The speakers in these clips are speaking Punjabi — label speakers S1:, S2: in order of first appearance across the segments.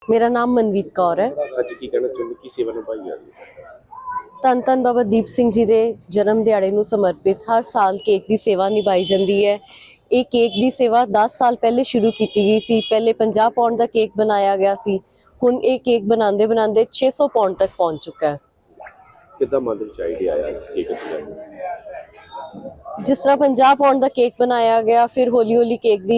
S1: मेरा नाम मनवीत कौर है।
S2: ਅੱਜ ਕੀ ਕਹਿਣਾ ਚਾਹੁੰਦੇ ਕੀ ਸੇਵਾ ਨਿਭਾਈ ਜਾ ਰਹੀ ਹੈ?
S1: ਧੰਨ ਧੰਨ ਬਾਬਾ ਦੀਪ ਸਿੰਘ ਜੀ ਦੇ ਜਨਮ ਦਿਹਾੜੇ ਨੂੰ ਸਮਰਪਿਤ ਹਰ ਸਾਲ ਕੇਕ ਦੀ ਸੇਵਾ ਨਿਭਾਈ ਜਾਂਦੀ ਹੈ। ਇਹ ਕੇਕ ਦੀ ਸੇਵਾ 10 ਸਾਲ ਪਹਿਲੇ ਸ਼ੁਰੂ ਕੀਤੀ ਗਈ ਸੀ। ਪਹਿਲੇ 50 ਪਾਉਂਡ ਦਾ ਕੇਕ ਬਣਾਇਆ ਗਿਆ ਸੀ। ਹੁਣ ਇਹ ਕੇਕ ਬਣਾਉਂਦੇ ਬਣਾਉਂਦੇ 600 ਪਾਉਂਡ ਤੱਕ ਪਹੁੰਚ ਚੁੱਕਾ ਹੈ।
S2: ਕਿੱਦਾਂ ਮਨ ਦੇ ਵਿੱਚ ਆਈਡੀਆ ਆਇਆ ਕੇਕ ਦਾ?
S1: ਜਿਸ ਤਰ੍ਹਾਂ 50 ਪਾਉਂਡ ਦਾ ਕੇਕ ਬਣਾਇਆ ਗਿਆ, ਫਿਰ ਹੌਲੀ ਹੌਲੀ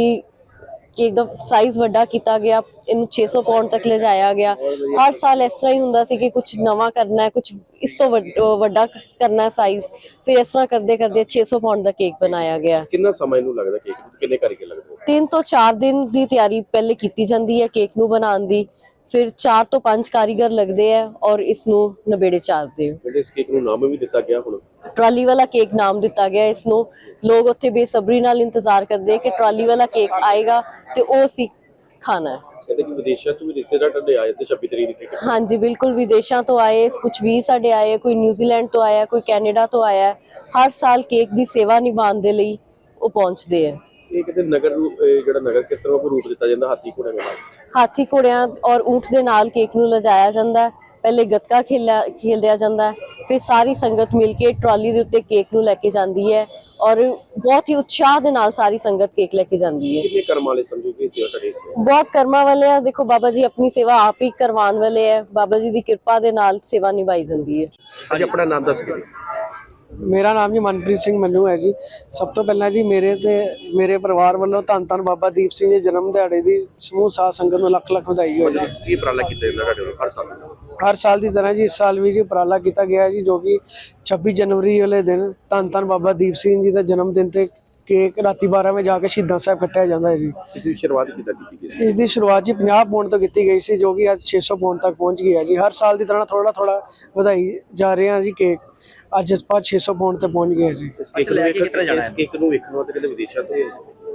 S1: ਕੇਕ ਦਾ ਸਾਈਜ਼ ਵੱਡਾ ਕੀਤਾ ਗਿਆ, ਇਹਨੂੰ 600 ਪਾਉਂਡ ਤੱਕ ਲਿਜਾਇਆ ਗਿਆ। ਹਰ ਸਾਲ ਇਸ ਤਰ੍ਹਾਂ ਹੀ ਹੁੰਦਾ ਸੀ ਕਿ ਕੁਝ ਨਵਾਂ ਕਰਨਾ ਹੈ, ਕੁਝ ਇਸ ਤੋਂ ਵੱਡਾ ਕਰਨਾ ਹੈ ਸਾਈਜ਼। ਫਿਰ ਇਸ ਤਰ੍ਹਾਂ ਕਰਦੇ ਕਰਦੇ 600 ਪਾਉਂਡ ਦਾ ਕੇਕ ਬਣਾਇਆ ਗਿਆ।
S2: ਕਿੰਨਾ ਸਮਾਂ ਇਹਨੂੰ ਲੱਗਦਾ ਕੇਕ ਨੂੰ? ਕਿੰਨੇ ਕਾਰੀਗਰ ਲੱਗਦੇ?
S1: 3 ਤੋਂ 4 ਦਿਨ ਦੀ ਤਿਆਰੀ ਪਹਿਲੇ ਕੀਤੀ ਜਾਂਦੀ ਹੈ ਕੇਕ ਨੂੰ ਬਣਾਉਣ ਦੀ। ਫਿਰ 4 ਤੋਂ 5 ਕਾਰੀਗਰ ਲੱਗਦੇ ਆ ਔਰ ਇਸ ਨੂੰ ਨਵੇੜੇ ਚਾੜਦੇ ਹੋ।
S2: ਇਸ ਕੇਕ ਨੂੰ ਨਾਮ ਵੀ ਦਿੱਤਾ ਗਿਆ ਹੁਣ
S1: ਟਰਾਲੀ ਵਾਲਾ ਕੇਕ ਨਾਮ ਦਿੱਤਾ ਗਿਆ ਇਸ ਨੂੰ। ਲੋਕ ਉੱਥੇ ਬੇਸਬਰੀ ਨਾਲ ਇੰਤਜ਼ਾਰ ਕਰਦੇ ਕਿ ਟਰਾਲੀ ਵਾਲਾ ਕੇਕ ਆਏਗਾ ਤੇ ਉਹ ਅਸੀਂ ਖਾਣਾ ਹੈ।
S2: ਕਹਿੰਦੇ ਕਿ ਵਿਦੇਸ਼ਾਂ ਤੋਂ ਵੀ ਰਿਸ਼ਤੇਦਾਰ ਤੁਹਾਡੇ ਆਏ ਤੇ 26 ਤਰੀਕ ਦੀ ਕੇਕ।
S1: ਹਾਂਜੀ ਬਿਲਕੁਲ, ਵਿਦੇਸ਼ਾਂ ਤੋਂ ਆਏ, ਕੁਝ ਵੀ ਸਾਡੇ ਆਏ, ਕੋਈ ਨਿਊਜ਼ੀਲੈਂਡ ਤੋਂ ਆਇਆ, ਕੋਈ ਕੈਨੇਡਾ ਤੋਂ ਆਇਆ। ਹਰ ਸਾਲ ਕੇਕ ਦੀ ਸੇਵਾ ਨਿਭਾਉਣ ਦੇ ਲਈ ਉਹ ਪਹੁੰਚਦੇ ਆ।
S2: ਇਹ ਕਿਤੇ ਨਗਰ ਜਿਹੜਾ ਨਗਰ ਕਿਸ ਤਰ੍ਹਾਂ ਰੂਪ ਦਿੱਤਾ ਜਾਂਦਾ? ਹਾਥੀ ਘੋੜੇ ਨਾਲ?
S1: ਹਾਥੀ ਘੋੜਿਆਂ ਔਰ ਊਂਠ ਦੇ ਨਾਲ ਕੇਕ ਨੂੰ ਲਿਜਾਇਆ ਜਾਂਦਾ ਹੈ। ਪਹਿਲੇ ਗੱਤਕਾ ਖੇਲਿਆ ਜਾਂਦਾ ਹੈ, ਫਿਰ ਸਾਰੀ ਸੰਗਤ ਮਿਲ ਕੇ ਟਰਾਲੀ ਦੇ ਉੱਤੇ ਕੇਕ ਨੂੰ ਲੈ ਕੇ ਜਾਂਦੀ ਹੈ ਔਰ ਬਹੁਤ ਹੀ ਉਤਸ਼ਾਹ ਦੇ ਨਾਲ ਸਾਰੀ ਸੰਗਤ ਕੇਕ ਲੈ ਕੇ ਜਾਂਦੀ ਹੈ।
S2: ਕਿੰਨੇ ਕਰਮ ਵਾਲੇ ਸਮਝੋ ਕਿ ਸੇਵਾ ਤੁਹਾਡੇ?
S1: ਬਹੁਤ ਕਰਮਾਂ ਵਾਲੇ ਆ। ਦੇਖੋ ਬਾਬਾ ਜੀ ਆਪਣੀ ਸੇਵਾ ਆਪ ਹੀ ਕਰਵਾਉਣ ਵਾਲੇ ਹੈ। ਬਾਬਾ ਜੀ ਦੀ ਕਿਰਪਾ ਦੇ ਨਾਲ ਸੇਵਾ ਨਿਭਾਈ ਜਾਂਦੀ ਹੈ।
S2: ਅੱਜ ਆਪਣਾ ਨਾਮ ਦੱਸ ਕੇ।
S3: मेरा नाम जी मनप्रीत सिंह मन्नू है जी। सब तो पहला जी मेरे परिवार वालों धन धन बाबा दीप सिंह जी जन्म दिहाड़े की समूह साध संगत में लख लख बधाई हो जी।
S2: ਕੀ ਉਪਰਾਲਾ ਕੀਤਾ ਜਾਂਦਾ ਤੁਹਾਡੇ ਵੱਲੋਂ ਹਰ साल?
S3: हर साल की तरह जी इस साल भी जी उपराला किया गया जी, जो कि 26 जनवरी वाले दिन धन धन बाबा दीप सिंह जी का जन्मदिन ते केक राती 12 वजे जाके शहीदां साहब कट्टिया जाता है जी।
S2: ਇਸ ਦੀ ਸ਼ੁਰੂਆਤ ਕਿੱਦਾਂ ਕੀਤੀ ਗਈ ਸੀ?
S3: इसकी शुरुआत जी 50 पाउंड तो की गई सी, जो कि अज 600 पाउंड तक पहुँच गई है जी। हर साल की तरह थोड़ा थोड़ा ਵਧਾਈ जा रहे हैं जी। केक ਅੱਜ ਆਪਾਂ 600 ਪਾਉਂਡ ਤੇ ਪਹੁੰਚ ਗਏ ਜੀ।
S2: ਇਸ ਕੇਕ ਨੂੰ ਵੇਖਣ ਵਾਸਤੇ ਕਿਤੇ ਵਿਦੇਸ਼ਾਂ ਤੋਂ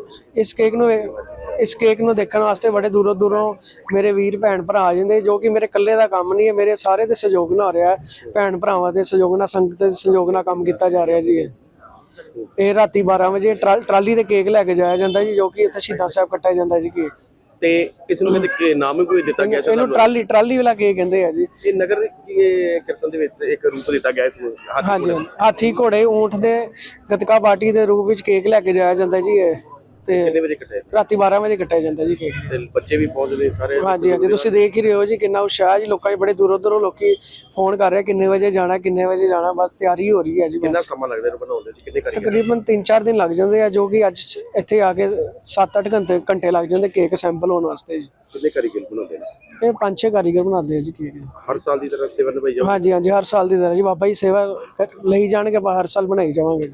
S3: ਇਸ ਕੇਕ ਨੂੰ ਦੇਖਣ ਵਾਸਤੇ ਬੜੇ ਦੂਰੋਂ ਦੂਰੋਂ ਮੇਰੇ ਵੀਰ ਭੈਣ ਭਰਾ ਆ ਜਾਂਦੇ, ਜੋ ਕਿ ਮੇਰੇ ਇਕੱਲੇ ਦਾ ਕੰਮ ਨਹੀਂ ਹੈ, ਮੇਰੇ ਸਾਰੇ ਦੇ ਸਹਿਯੋਗ ਨਾਲ ਹੋ ਰਿਹਾ ਹੈ। ਭੈਣ ਭਰਾਵਾਂ ਦੇ ਸਹਿਯੋਗ ਨਾਲ, ਸੰਗਤ ਦੇ ਸਹਿਯੋਗ ਨਾਲ ਕੰਮ ਕੀਤਾ ਜਾ ਰਿਹਾ ਜੀ। ਇਹ ਰਾਤੀ 12 ਵਜੇ ਟਰਾਲੀ ਤੇ ਕੇਕ ਲੈ ਕੇ ਜਾਇਆ ਜਾਂਦਾ ਜੀ, ਜੋ ਕਿ ਇੱਥੇ ਸ਼ਹੀਦਾਂ ਸਾਹਿਬ ਕੱਟਿਆ ਜਾਂਦਾ ਜੀ ਕੇਕ।
S2: ਤੇ ਇਸ ਨੂੰ ਕਹਿੰਦੇ ਨਾਮ ਕੋਈ ਦਿੱਤਾ ਗਿਆ ਸੀ?
S3: ਇਹਨੂੰ ਟਰਾਲੀ ਵਾਲਾ ਕੇਕ ਕਹਿੰਦੇ ਆ ਜੀ।
S2: ਇਹ ਨਗਰ ਕੀਰਤਨ ਦੇ ਵਿੱਚ ਇੱਕ ਰੂਪ ਦਿੱਤਾ ਗਿਆ ਇਸ ਨੂੰ।
S3: ਹਾਂਜੀ, ਹਾਥੀ ਘੋੜੇ ਊਂਠ ਦੇ ਗੱਤਕਾ ਪਾਰਟੀ ਦੇ ਰੂਪ ਵਿੱਚ ਕੇਕ ਲੈ ਕੇ ਜਾਇਆ ਜਾਂਦਾ ਜੀ। ਇਹ ਤੇ
S2: ਕਿੰਨੇ ਵਜੇ ਕੱਟਿਆ?
S3: ਰਾਤੀ 12 ਵਜੇ ਕੱਟਿਆ ਜਾਂਦਾ ਜੀ ਕੇਕ।
S2: ਤੇ ਬੱਚੇ ਵੀ ਪਹੁੰਚਦੇ ਸਾਰੇ?
S3: ਹਾਂਜੀ ਹਾਂਜੀ, ਤੁਸੀਂ ਦੇਖ ਹੀ ਰਹੇ ਹੋ ਜੀ ਕਿੰਨਾ ਉਤਸ਼ਾਹ ਜੀ। ਲੋਕਾਂ 'ਚ ਬੜੇ ਦੂਰੋਂ ਦੂਰੋਂ ਲੋਕੀ ਫੋਨ ਕਰ ਰਹੇ ਕਿੰਨੇ ਵਜੇ ਜਾਣਾ, ਕਿੰਨੇ ਵਜੇ ਜਾਣਾ। ਬਸ ਤਿਆਰੀ ਹੋ ਰਹੀ ਹੈ ਜੀ।
S2: ਕਿੰਨਾ ਸਮਾਂ ਲੱਗਦਾ ਇਹਨੂੰ ਬਣਾਉਣ ਦੇ? ਕਿੰਨੇ ਕਾਰੀਗਰ?
S3: ਤਕਰੀਬਨ 3-4 ਦਿਨ ਲੱਗ ਜਾਂਦੇ ਆ, ਜੋ ਕਿ ਅੱਜ ਇੱਥੇ ਆ ਕੇ 7-8 ਘੰਟੇ ਲੱਗ ਜਾਂਦੇ ਕੇਕ ਸੈਂਪਲ ਹੋਣ ਵਾਸਤੇ ਜੀ।
S2: ਕਿੰਨੇ ਕਾਰੀਗਰ ਬਣਾਉਂਦੇ ਨੇ?
S3: ਇਹ 5-6 ਕਾਰੀਗਰ ਬਣਾਉਂਦੇ ਆ ਜੀ ਕੇਕ।
S2: ਹਰ ਸਾਲ ਦੀ ਤਰ੍ਹਾਂ ਸੇਵਾ ਨਿਭਾਈ ਜਾਊ?
S3: ਹਾਂਜੀ ਹਾਂਜੀ, ਹਰ ਸਾਲ ਦੀ ਤਰ੍ਹਾਂ ਜੀ। ਬਾਬਾ ਜੀ ਸੇਵਾ ਲਈ ਜਾਣਗੇ, ਆਪਾਂ ਹਰ ਸਾਲ ਬਣਾਈ ਜਾਵਾਂਗੇ।